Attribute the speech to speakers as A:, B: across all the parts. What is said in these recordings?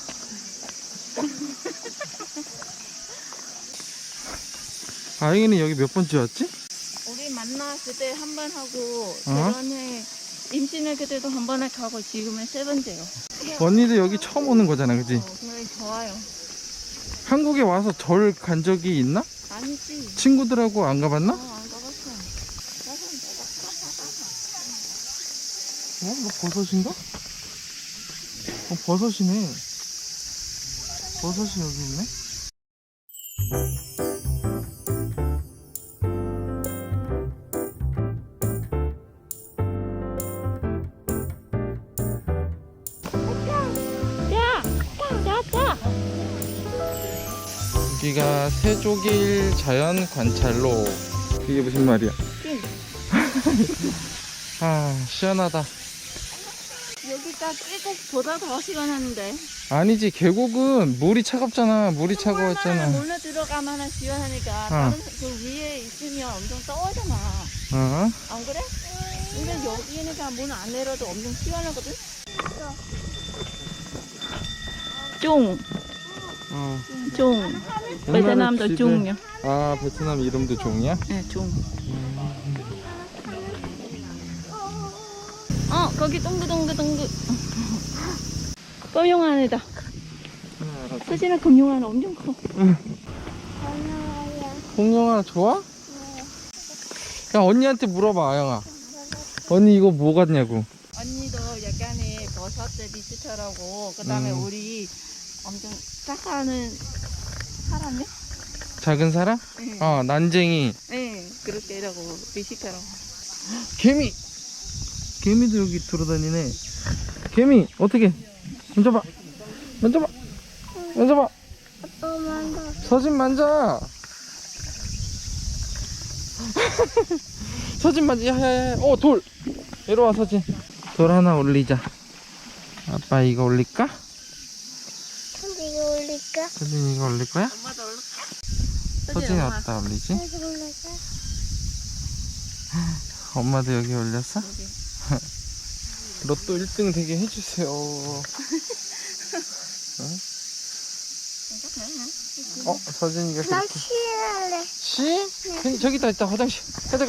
A: 아영이는 여기 몇 번째 왔지?
B: 우리 만나 그때 한 번 하고 결혼해 임신할 그때도 한 번에 가고 지금은 세 번째요.
A: 언니도 여기 처음 오는 거잖아, 그지?
B: 그냥 좋아요.
A: 한국에 와서 절 간 적이 있나?
B: 아니지.
A: 친구들하고 안 가봤나?
B: 안 가봤어.
A: 뭐 버섯인가? 버섯이네. 버섯이 여기 있네. 여기가 세조길 자연 관찰로. 이게 무슨 말이야? 아, 시원하다.
B: 여기가 계곡보다 더 시원한데.
A: 아니지, 계곡은 물이 차갑잖아. 물이 차가웠잖아.
B: 물로 들어가면 시원하니까 다른 그 위에 있으면 엄청 떠오잖아.
A: 어?
B: 안 그래? 근데 여기니까 문 안 내려도 엄청 시원하거든. 쫑. 쫑. 베트남도 쫑요.
A: 아, 베트남 이름도 종이야?
B: 네, 쫑. 거기 동그동그. 검용 안에다. 사진은 검용 안에 엄청 커.
A: 공룡아 좋아? 그냥 언니한테 물어봐, 아영아. 언니 이거 뭐 같냐고.
B: 언니도 약간의 버섯들 비슷하라고. 그 다음에 우리 엄청 착하는 사람이야?
A: 작은 사람?
B: 네.
A: 난쟁이.
B: 네, 그렇게 하라고 비슷하라고.
A: 개미! 개미도 여기 돌아다니네. 개미, 어떻게? 만져봐. 서진 만져. 서진 만져. 야야야. 돌. 이리 와, 서진. 돌 하나 올리자. 아빠 이거 올릴까?
C: 근데 이거 올릴까?
A: 서진 이거 올릴 거야?
B: 엄마도 올라.
A: 서진이 어디다 올리지?
C: 여기 올릴까?
A: 엄마도 여기 올렸어?
B: 여기.
A: 로또 1등 되게 해주세요. 서진이가
C: 나
A: 그렇게.
C: 치할래.
A: 시? 저기 있다 화장실. 가자.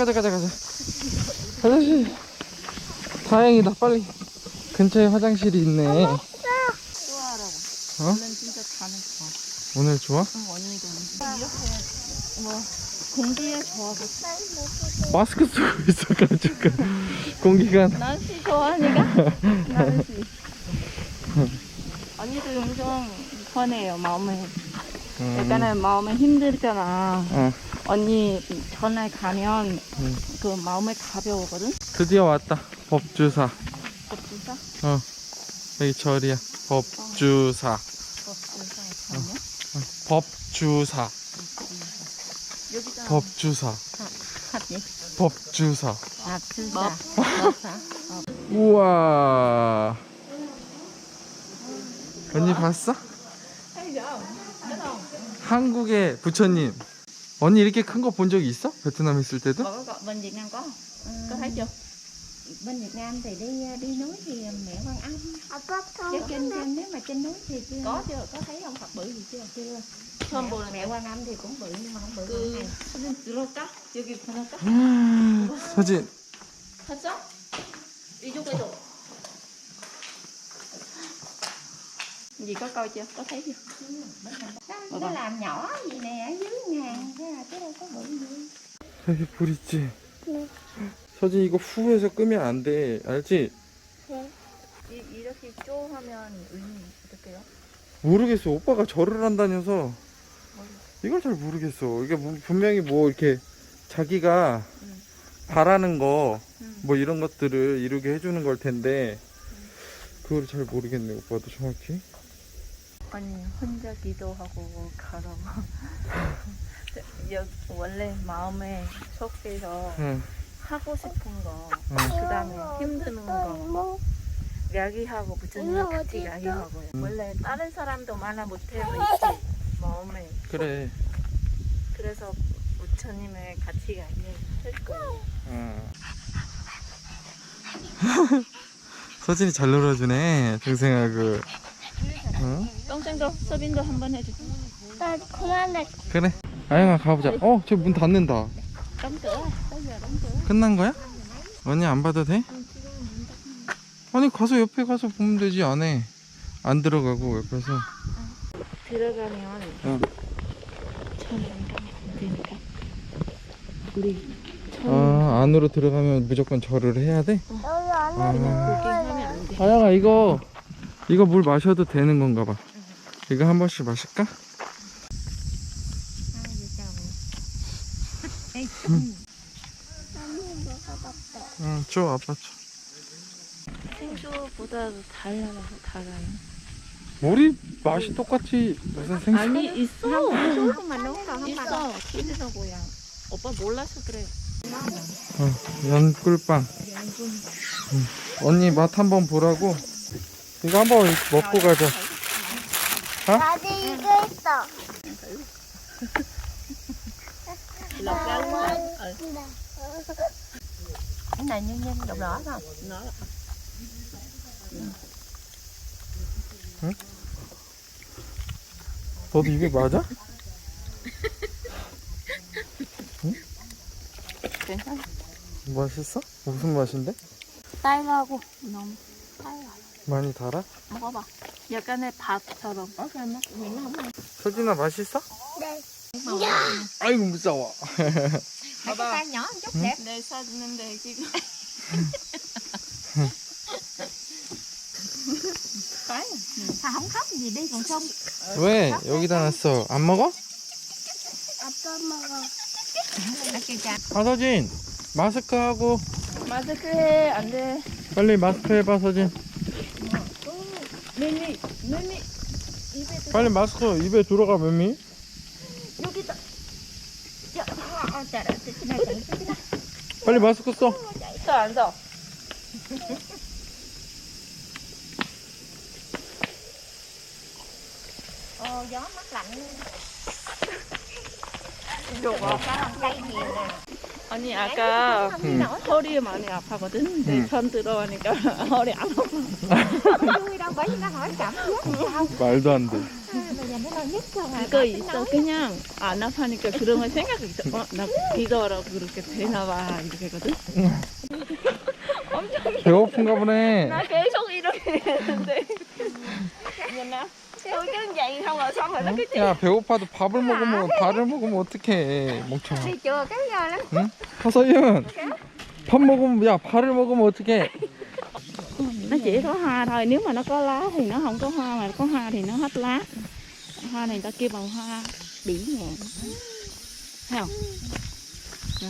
A: 화장실. 다행이다, 빨리. 근처에 화장실이 있네.
B: 좋아하라고.
A: 어?
B: 오늘 진짜 가는 거.
A: 오늘 좋아?
B: 언니도 이렇게 뭐 공기에 좋아하고.
A: 마스크 쓰고 있어가지고 공기가.
B: 날씨 좋아하니까. 날씨. 언니도 엄청 편해요, 마음에. 약간은 마음에 힘들잖아. 언니 전에 가면 그 마음에 가벼우거든?
A: 드디어 왔다. 법주사.
B: 법주사?
A: 여기 절이야. 법주사.
B: 법주사 가면?
A: 법주사.
B: 여기다
A: 법주사.
B: 하지?
A: 법주사.
B: 법주사.
A: 우와. 언니 봤어? 한국의 부처님. 언니 이렇게 큰 거 본 적 있어? 베트남 있을 때도?
B: Bên Việt Nam có thấy chưa?
D: Bên Việt Nam thì đi núi thì mẹ Quan Âm.
C: 아빠
D: Chứ trên nếu mà trên núi thì chưa.
B: Có chưa? Có thấy ông Phật bự gì chưa?
D: Chưa.
B: 처음 보는
D: Mẹ Quan Âm thì cũng bự nhưng mà không bự bằng
B: 그
D: này.
B: 사진 들어올까? 여기 보낼까?
A: 서진.
B: 봤어? 이쪽에도. Gì có coi chưa? Có thấy chưa?
D: Nó làm nhỏ gì nè ở dưới ngàn chứ đâu có bự gì.
A: 여기 불 있지?
C: 네.
A: 서진 이거 후에서 끄면 안 돼. 알지?
C: 네.
B: 이렇게 쪼 하면 의미 어떨게요?
A: 모르겠어. 오빠가 절을 한다면서 이걸 잘 모르겠어. 이게 분명히 뭐 이렇게 자기가 바라는 거 뭐 이런 것들을 이루게 해주는 걸 텐데 그걸 잘 모르겠네. 오빠도 정확히.
B: 아니 혼자 기도하고 가라고. 원래 마음에 속에서 하고 싶은 거, 그 다음에 힘드는 거 이야기하고 부처님과 같이 이야기하고요. 원래 다른 사람도 말을 못해요 있지 마음에.
A: 그래.
B: 그래서 부처님을 같이 이야기할 거예요.
A: 서진이 잘 놀아주네, 동생하고. 응?
B: 동생도 서빈도 한번 해줘.
C: 나 그만해.
A: 그래. 아영아 가보자. 저 문 닫는다.
B: Đóng cửa. Tới giờ đóng cửa.
A: 끝난 거야? 언니 안 봐도 돼? 아니 가서 옆에 가서 보면 되지. 안에 안 들어가고 옆에서.
B: 들어가면
A: 응.
B: 처음 안 가면 안 되니까. 우리
A: 안으로 들어가면 무조건 절을 해야 돼?
C: 여기 안
B: 구경하면 안 돼.
A: 아영아 이거 물 마셔도 되는 건가 봐. 이거 한 번씩 마실까? 응, 줘 아빠 줘.
B: 생수보다도 달라서 달아요.
A: 우리 맛이 똑같이 무슨 생수?
B: 아니 있어.
D: mà nấu còn không bằng
B: 있어. 키즈하고야. 오빠 몰라서 그래.
A: 연꿀빵. 언니 맛 한번 보라고. 이거 한번 먹고 가자.
C: 나도 이거 있어.
B: Lột ra luôn rồi.
D: cái này nhân nhân đậu đỏ không?
B: Nó
A: 너도 입에 맞아?
B: 괜찮아.
A: 맛있어? 무슨 맛인데?
B: 딸하고 너무 달아.
A: 많이 달아?
B: 먹어봐. 약간의 밥처럼.
A: 서진아 맛있어?
C: 네.
A: 아이고 무서워.
D: Mấy cái tay nhỏ một chút đẹp.
B: 내 사주는데 지금.
D: Sao không khóc gì đi còn không?
A: 왜 여기다 놨어? 안 먹어?
C: 아빠 먹어.
D: Nó kêu cha.
A: 서진 마스크 하고
B: 마스크 해. 안 돼.
A: 빨리 마스크 해봐 서진.
B: 매미.
A: 빨리 마스크 입에 들어가 매미.
B: 여기다.
D: Trời ơi, cái này chạy cái này.
A: 빨리 마스크 써.
B: 또 앉아.
D: Gió mát lạnh.
B: 이거
D: Sao làm cây nhiều nè.
B: 아니 아까
A: 응.
B: 허리 많이 아파거든. 내 편 들어가니까 허리 안 아파.
D: Vui đâu bởi vì nó hỏi cảm giác sao.
A: 말도 안 돼.
D: Bây giờ nó nói nhất rồi.
B: 이거 있어. 그냥 안 아파니까 그런 걸 생각이 있어. 나 이거라고 그렇게 되나봐 이렇게 거든.
A: 배고픈가 보네.
B: 나 계속 이렇게 했는데. 뭐나? tôi cứ vậy không rồi xong rồi nó cứ
A: 야 배고파도 밥을 먹으면 어떡해 멍청아.
D: Đi chùa cái giờ lắm.
A: 응? 하서윤 밥 먹으면 야 발을 먹으면 어떡해.
B: nó chỉ có hoa thôi, nếu mà nó có lá thì nó không có hoa, mà có hoa thì nó hết lá. Hoa này người ta kêu bằng hoa bỉ ngạn, thấy không? Nè.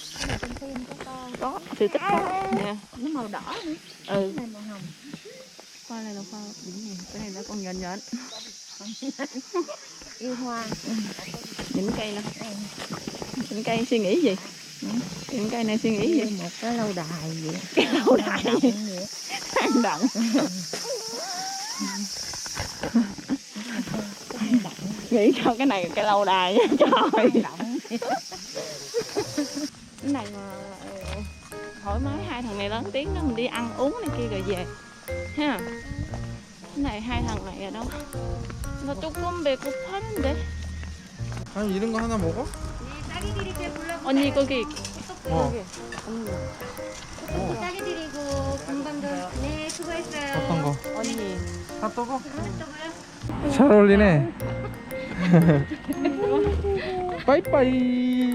B: Có sự tích có nè.
D: Nó màu đỏ nữa.
B: Ừ,
D: Này màu hồng.
B: hoa này là hoa bỉ ngạn, cái này nó còn nhện nhện.
D: Yêu hoa.
B: Những cây nè, những cây suy nghĩ gì? Những cây này suy nghĩ gì?
D: Một cái lâu đài vậy.
B: Cái lâu đài
D: Động vậy.
B: hang động. Nghĩ sao cái này cái lâu đài nha trời.
D: Động.
B: Cái này mà thoải mái, hai thằng này lớn tiếng đó mình đi ăn uống này kia rồi về ha. Cái này hai thằng này ở đâu? 나 조금 배고팠는데.
A: 아니 이런 거 하나 먹어?
D: 딸기 드릴게 불러.
B: 언니 거기
A: 어.
D: 딸기 드리고 금방도. 네, 수고했어요.
A: 어떤 거?
B: 언니.
A: 핫도그? 잘 어울리네. 빠이빠이.